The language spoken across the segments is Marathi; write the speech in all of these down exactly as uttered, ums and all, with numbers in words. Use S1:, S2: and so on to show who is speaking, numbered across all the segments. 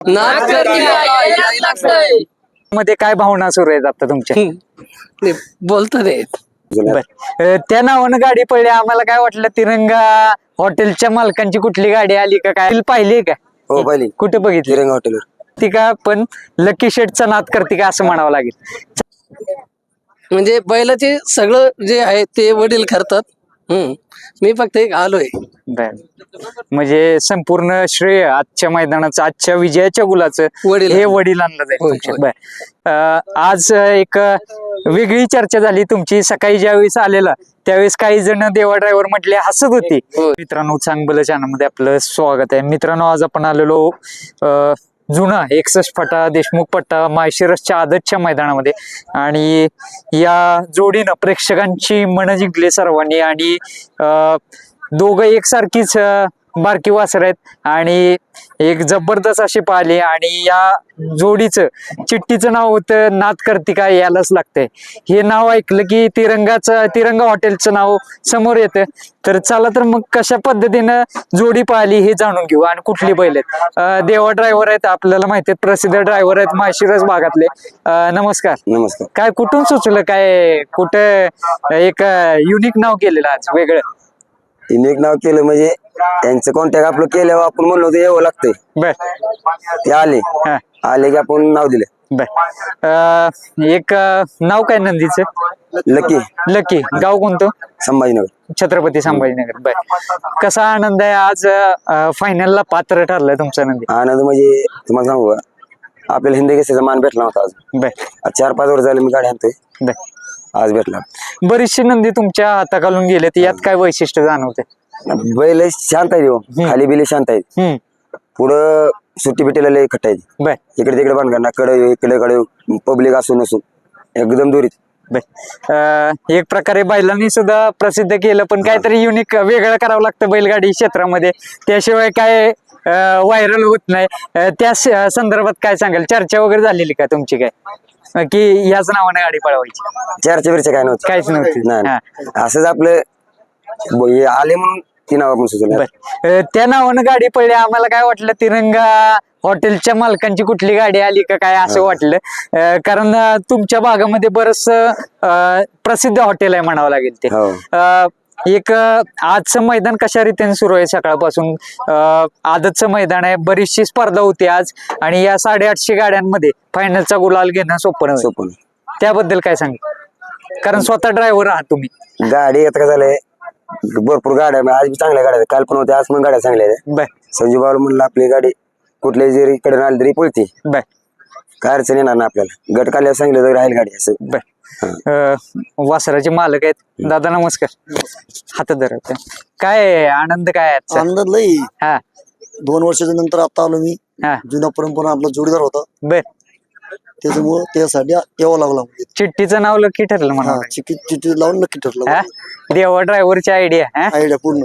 S1: मध्ये काय भावना सुरू आहेत आता तुमच्या?
S2: बोलतात
S1: बर, त्या नावानं गाडी पडली, आम्हाला काय वाटलं तिरंगा हॉटेलच्या मालकांची कुठली गाडी आली का काय पाहिली का?
S3: हो पाहिली.
S1: कुठे बघितली?
S3: तिरंगा हॉटेलवर.
S1: ती का पण लकी शेटचा नाद करते का असं म्हणावं लागेल.
S2: म्हणजे बैलाचे सगळं जे आहे ते वडील करतात. हम्म मी फक्त एक आलोय.
S1: बर, म्हणजे संपूर्ण श्रेय आजच्या मैदानाचं, आजच्या विजयाच्या गुलाचं
S2: वडील
S1: हे वडिलांना जाईल
S2: होय,
S1: तुमच्या. बर, अं, आज एक वेगळी चर्चा झाली तुमची. सकाळी ज्यावेळेस आलेला त्यावेळेस काही जण देवा ड्रायव्हर म्हटले, हसत होते. मित्रांनो, चांगलं चॅनलमध्ये आपलं स्वागत आहे. मित्रांनो, आज आपण आलेलो अं जुना एकसष्ट फटा देशमुख पट्टा माळशिरसच्या आदतच्या मैदानामध्ये, आणि या जोडीनं प्रेक्षकांची मन जिंकली सर्वांनी. आणि अं दोघं एकसारखीच बारकी वासर आहेत आणि एक जबरदस्त अशी पाहिली. आणि या जोडीचं चिठ्ठीचं नाव होतं नाद करती काय यालाच लागतंय. हे नाव ऐकलं की तिरंगाचं तिरंगा हॉटेलचं नाव समोर येतं. तर चला तर मग कशा पद्धतीनं जोडी पाहिली हे जाणून घेऊ. आणि कुठली बैल आहेत. अं, देवा ड्रायव्हर आहेत, आपल्याला माहिती आहेत, प्रसिद्ध ड्रायव्हर आहेत माळशिरस भागातले. अं, नमस्कार.
S3: नमस्कार.
S1: काय कुठून सुचलं, काय कुठं एक युनिक नाव केलेलं आज वेगळं?
S3: तिने एक नाव केलं म्हणजे त्यांचं कॉन्टॅक्ट आपलं केल्यावर आपण म्हणलो होतं यावं लागतंय.
S1: बर,
S3: ते आले
S1: हा,
S3: आले की आपण नाव दिलं.
S1: बर. अं, एक अं, नाव काय नंदीचं?
S3: लकी.
S1: लकी. गाव कोणतं?
S3: संभाजीनगर.
S1: छत्रपती संभाजीनगर. बर, कसा आनंद आहे आज फायनलला पात्र ठरलाय तुमचा नंदी?
S3: आनंद म्हणजे तुम्हाला सांगू का, आपल्याला हिंदी केसेचा मान भेटला होता आज.
S1: बर,
S3: आज चार पाच वर्ष झाले मी गाडी आणतोय,
S1: बर.
S3: आज भेटला.
S1: बरीचशी नंदी तुमच्या हाताखालून गेलेत, यात काय वैशिष्ट्य जाणवते?
S3: बैल शांत आहे, देऊ खाली बिले शांत आहेत,
S1: हम्म,
S3: पुढं सुट्टी बिटीला लय खट्ट आहेत.
S1: बर,
S3: इकडे तिकडे बांधणार कडे इकडे कडे पब्लिक असून नसून एकदम दुरीत.
S1: बर. अं, एक प्रकारे बैलांनी सुद्धा प्रसिद्ध केलं, पण काहीतरी युनिक वेगळं करावं लागतं बैलगाडी क्षेत्रामध्ये, त्याशिवाय काय व्हायरल होत नाही. अं, त्या स- संदर्भात काय सांगाल? चर्चा वगैरे झालेली का तुमची काय, अं, की याच नावाने गाडी पळवायची?
S3: चर्चा बिरच्या काय नव्हतं,
S1: काहीच नव्हती.
S3: नाही
S1: हा.
S3: नाही. असंच आपलं ब- हे आले म्हणून ती नाव आपण सुचवलं.
S1: बर, अं, त्या नावानं गाडी पडली, आम्हाला काय वाटलं तिरंगा हॉटेलच्या मालकांची कुठली गाडी आली का काय असं वाटलं. अं, कारण अं, तुमच्या भागामध्ये बरंच अं, प्रसिद्ध हॉटेल आहे म्हणावं लागेल ते.
S3: हो.
S1: अं, एक अं, आजचं मैदान कशा रीतीने सुरू आहे सकाळपासून? अं, आदतचं मैदान आहे, बरीचशी स्पर्धा होती आज, आणि या साडेआठशे गाड्यांमध्ये फायनलचा गुलाल घेणं सोपं नव्हे.
S3: सोपं.
S1: त्याबद्दल काय सांगितलं? कारण स्वतः ड्रायव्हर आहात तुम्ही.
S3: गाडी आता काय झालंय, भरपूर गाड्या आहे. आज बी चांगल्या गाड्या आहेत, काल पण होत्या, आज पण गाड्या चांगल्या आहेत.
S1: बर,
S3: संजू बाबा म्हणलं आपली गाडी कुठल्याही जरी इकडे आली तरी पळते,
S1: बर,
S3: काय अडचण येणार ना आपल्याला. गट काढल्यावर सांगितलं तरी राहील गाडी असं.
S1: बर. अं, वासराचे मालक आहेत दादा, नमस्कार. हातात धरा. काय आनंद काय आजचा?
S4: आनंद लई.
S1: हा,
S4: दोन वर्षाच्या नंतर आता आलो मी.
S1: हा,
S4: जुना परंपरा आपला जोडीदार होता,
S1: बर.
S4: त्याच्यामुळे त्यासाठी यावं लागला.
S1: चिठ्ठीचं नाव लकी ठरलं म्हणा.
S4: हा, चिठी चिठी लावून नक्की ठरलं.
S1: हा, देवा ड्रायव्हरची आयडिया. हा,
S4: आयडिया पूर्ण.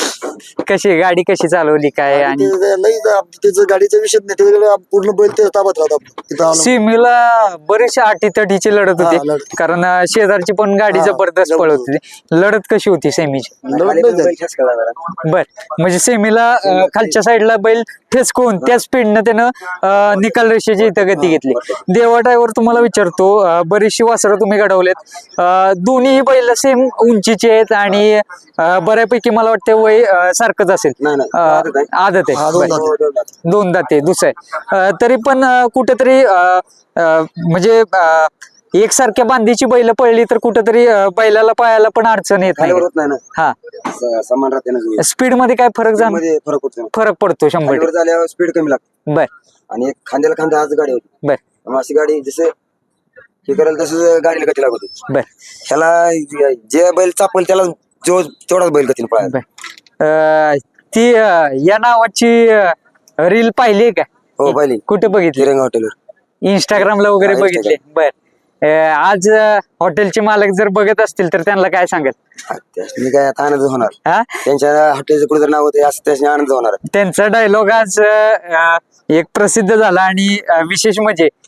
S1: कशी गाडी कशी चालवली काय? आणि
S4: ते- ते लई जा- त्याचं गाडीचा विषय नाही, त्याच्याकडे पूर्ण बैल ते ताब्यात राहतात. तिथं आलो.
S1: सिमीला बरीचशा अटीतटीची लढत
S4: हा,
S1: होती,
S4: लढत.
S1: कारण अं, शेजारची पण गाडी
S4: हा,
S1: जबरदस्त
S4: जबरदस्त.
S1: पळत होती. लढत कशी होती सेमीची?
S4: लढत नाही झाली.
S1: बर, म्हणजे सेमीला अं, खालच्या साईडला बैल ठेचकून त्या स्पीडनं त्यानं अं, निकाल रेषेची इथं गती घेतली. देवा ड्रायव्हर, तुम्हाला विचारतो, अं, बरीचशी वासरं तुम्ही घडवलेत, अं, दोन्ही बैल सेम उंचीचे आहेत आणि अं, बऱ्यापैकी मला वाटतं वय अं, सारखंच असेल.
S3: नाही, नाही.
S1: अं,
S3: आदत आहे.
S1: आदत
S4: हा,
S1: आहे.
S4: दोन
S1: बर.
S4: दाते.
S1: दोन दाते दुसरं आहे. अं, तरी पण अं, कुठेतरी अं, अं, म्हणजे अं, एकसारख्या बांधीची बैल पळली तर कुठेतरी अं, बैलाला पायाला पण अडचण येत नाही.
S3: खालीवर होत नाही ना,
S1: हा,
S3: स- समान राहते ना.
S1: स्पीड मध्ये काय फरक जाण
S3: मध्ये फरक होतो.
S1: फरक पडतो शंभर
S3: खालीवर झाल्यावर स्पीड कमी लागते,
S1: बर,
S3: आणि एक खांद्याला खांदा आज गाडी होती.
S1: बर,
S3: मग अशी गाडी जसं हे करेल तसं गाडीला गती लागत होती.
S1: बर,
S3: ह्याला जे बैल चापल त्याला जो तेवढाच बैल गतीने पळायला.
S1: बर. अं, ती अं, या नावाची रील पाहिली का?
S3: हो पाहिली,
S1: कुठे बघितली?
S3: तिरंगा हॉटेलवर.
S1: इंस्टाग्रामला वगैरे
S3: हा,
S1: बघितले. बर, अं, आज अं, हॉटेलचे मालक जर बघत असतील तर त्यांना काय सांगत?
S3: त्याच्यानी काय आता आनंद होणार,
S1: हा,
S3: त्यांच्या हॉटेलचं कुठे नाव होते असं त्याच्याने आनंद होणार.
S1: त्यांचा डायलॉग आज अं, एक प्रसिद्ध झाला, आणि अं, विशेष म्हणजे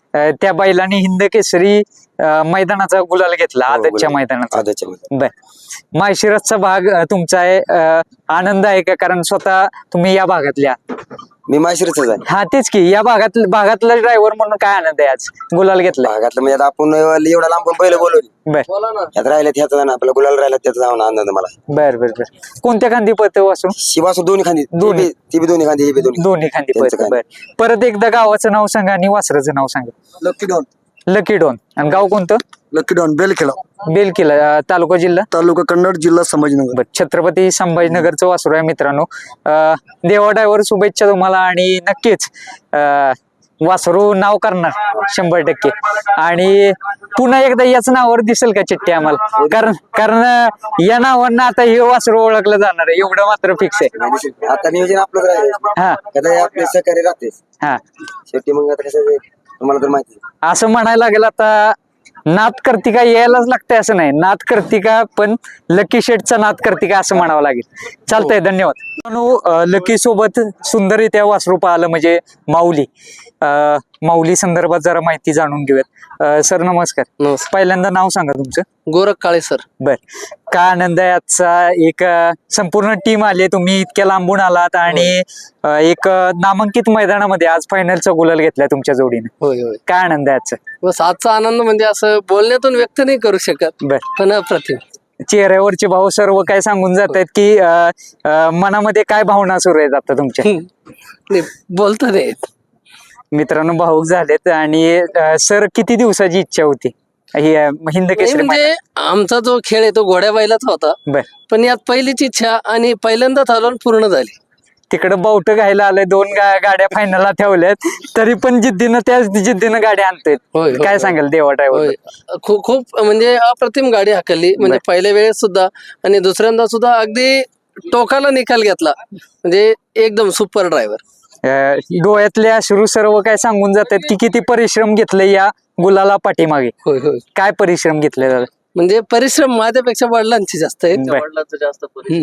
S1: अं, त्या बैलाने हिंद केसरी अं, मैदानाचा गुलाल घेतला
S3: हो,
S1: आदतच्या
S3: गुलाल.
S1: मैदानाचा.
S3: आदतच्या मध्ये.
S1: बर माळशिरसचा भाग अं, तुमचा आहे, अं, आनंद आहे का? कारण स्वतः तुम्ही या भागातल्या.
S3: मी माशिरच आहे.
S1: हा तेच की या भागात भागातला ड्रायव्हर म्हणून काय आनंद आहे आज गुलाल घेतला.
S3: भागातलं म्हणजे आता आपण एवढा लांबून पहिलं बोलवली
S1: बर
S2: बोला ना.
S3: यात राहिल्यात ह्याचा जाणं आपला गुलाल राहिला त्याचा जाऊन आनंद मला.
S1: बर बर बर कोणत्या खांदी पळतं वासरू?
S3: शिवासू दोन्ही खांदी ती
S1: दोन्ही.
S3: बी- ती बी दोन्ही खांदी ही बी दोन्ही
S1: दोन्ही खांदी
S3: त्यांचं
S1: पळतं.
S3: काय?
S1: बर परत एकदा गावाचं नाव सांगा आणि वासराचं नाव सांगा.
S4: Lucky Don
S1: Lucky Don. आणि गाव कोणतं?
S4: लकी डॉन बेलखेडा
S1: बेलकिला, अं, तालुका जिल्हा.
S4: तालुका कन्नड जिल्हा संभाजीनगर.
S1: बर छत्रपती संभाजीनगरचं वासरू आहे मित्रांनो. अं, देवा ड्रायव्हर शुभेच्छा तुम्हाला आणि नक्कीच अं, वासरू नाव करणार शंभर टक्के. आणि पुन्हा एकदा याच नावावर दिसेल का चिठ्ठी आम्हाला? कारण कारण अं, या नावानं आता हे वासरू ओळखलं जाणार आहे एवढं मात्र फिक्स आहे.
S3: आता नियोजन आपलंच राहिलं
S1: हा
S3: कदा हे आपले सहकारी राहते
S1: हा
S3: शेवटी मग आता कसं आहे, तुम्हाला तर माहिती आहे.
S1: असं म्हणायला लागेल आता नाद कर्तिका यायलाच लागतंय असं नाही. नाद कर्तिका पण लकी शेटचा नाद कर्तिका असं म्हणावं लागेल. चालतंय धन्यवाद. मित्रांनो, अं, लकी सोबत सुंदररित्या वासरू पाहिलं म्हणजे माऊली. अं, माऊली संदर्भात जरा माहिती जाणून घेऊयात. अं, सर नमस्कार.
S2: नमस्कार.
S1: पहिल्यांदा नाव सांगा तुमचं.
S2: गोरख काळे सर.
S1: बर काय आनंद आहे आजचा. एक अं, संपूर्ण टीम आली तुम्ही इतक्या लांबून आलात आणि अं, एक अं, नामांकित मैदानामध्ये आज फायनलचा गुलाल घेतलाय तुमच्या जोडीने.
S2: होय होय.
S1: काय आनंद आहे आजचा?
S2: बस आजचा आनंद म्हणजे असं बोलण्यातून व्यक्त नाही करू शकत,
S1: बर
S2: पण अप्रतिम.
S1: चेहऱ्यावरचे भाव सर्व काय सांगून जात आहेत की अं, अं, मनामध्ये काय भावना सुरू आहेत आता तुमच्या?
S2: नाही, बोलता नाही येत.
S1: मित्रांनो भाऊक झालेत. आणि अं, सर किती दिवसाची इच्छा होती ही अं, हिंद
S2: नाही
S1: केसरी
S2: म्हणजे आमचा जो खेळ आहे तो घोड्या बैलाचा होता,
S1: मैदान? बर
S2: पण यात पहिलीच इच्छा आणि पहिल्यांदाच आलो आणि पूर्ण झाली.
S1: तिकडे बावट घ्यायला आलंय, दोन गा- गाड्या फायनलला ठेवल्यात तरी पण जिद्दीनं त्याच जिद्दीनं गाड्या आणतायत.
S2: होय, होय,
S1: काय
S2: होय.
S1: सांगाल देवा
S2: होय.
S1: ड्रायव्हर?
S2: खूप खूप म्हणजे अप्रतिम गाडी हाकलली, म्हणजे पहिल्या वेळेस सुद्धा आणि दुसऱ्यांदा सुद्धा अगदी टोकाला निकाल घेतला, म्हणजे एकदम सुपर ड्रायव्हर.
S1: डोळ्यातले अश्रू सर्व काय सांगून जातात की किती परिश्रम घेतले या गुलाला पाठीमागे.
S2: होय होय.
S1: काय परिश्रम घेतले दादा?
S2: म्हणजे परिश्रम माझ्यापेक्षा वडिलांचे जास्त आहेत.
S1: बर.
S2: वडिलांचं जास्त परिश्रम.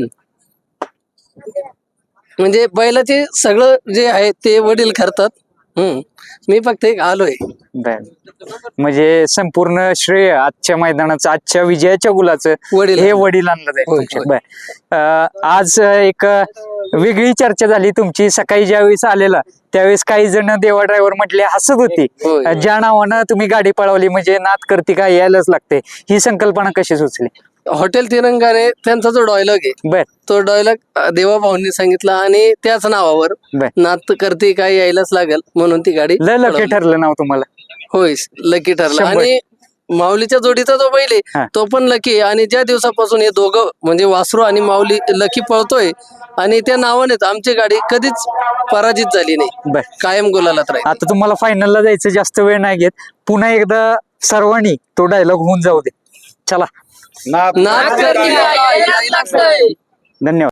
S2: म्हणजे बैलाचे सगळं जे आहे ते वडील करतात. हम्म मी फक्त एक आलोय.
S1: बर म्हणजे संपूर्ण श्रेय आजच्या मैदानाचं, आजच्या विजयाच्या गुलाचं
S2: वडील
S1: हे वडिलांना जाईल
S2: होय,
S1: तुमच्या.
S2: होय.
S1: बर अं, आज एक अं, वेगळी चर्चा झाली तुमची. सकाळी ज्यावेळेस आलेला त्यावेळेस काही जण देवा ड्रायव्हर म्हटले, हसत होती.
S2: होय.
S1: अं, ज्या नावानं तुम्ही गाडी पळवली म्हणजे नाद करती का यायलाच लागते, ही संकल्पना कशी सुचली?
S2: हॉटेल तिरंगाने त्यांचा जो डायलॉग आहे
S1: बर
S2: तो डायलॉग देवा भाऊंनी सांगितला आणि त्याच नावावर
S1: बर
S2: नात करते काय यायलाच लागल म्हणून ती गाडी
S1: लय लकी
S2: पळवली.
S1: ठरलं नाव तुम्हाला.
S2: होय लकी ठरला.
S1: शंभर.
S2: आणि माऊलीच्या जोडीचा जो बैल
S1: हा.
S2: आहे तो पण लकी. आणि ज्या दिवसापासून हे दोघं म्हणजे वासरू आणि माऊली लकी पळतोय आणि त्या नावानेच आमची गाडी कधीच पराजित झाली नाही,
S1: बर
S2: कायम गुलालात राहील.
S1: आता तुम्हाला फायनलला जायचं, जास्त वेळ नाही घेत. पुन्हा एकदा सर्वांनी तो डायलॉग होऊन जाऊ दे. चला
S2: नाद करते काय यायलाच लागतंय.
S1: धन्यवाद.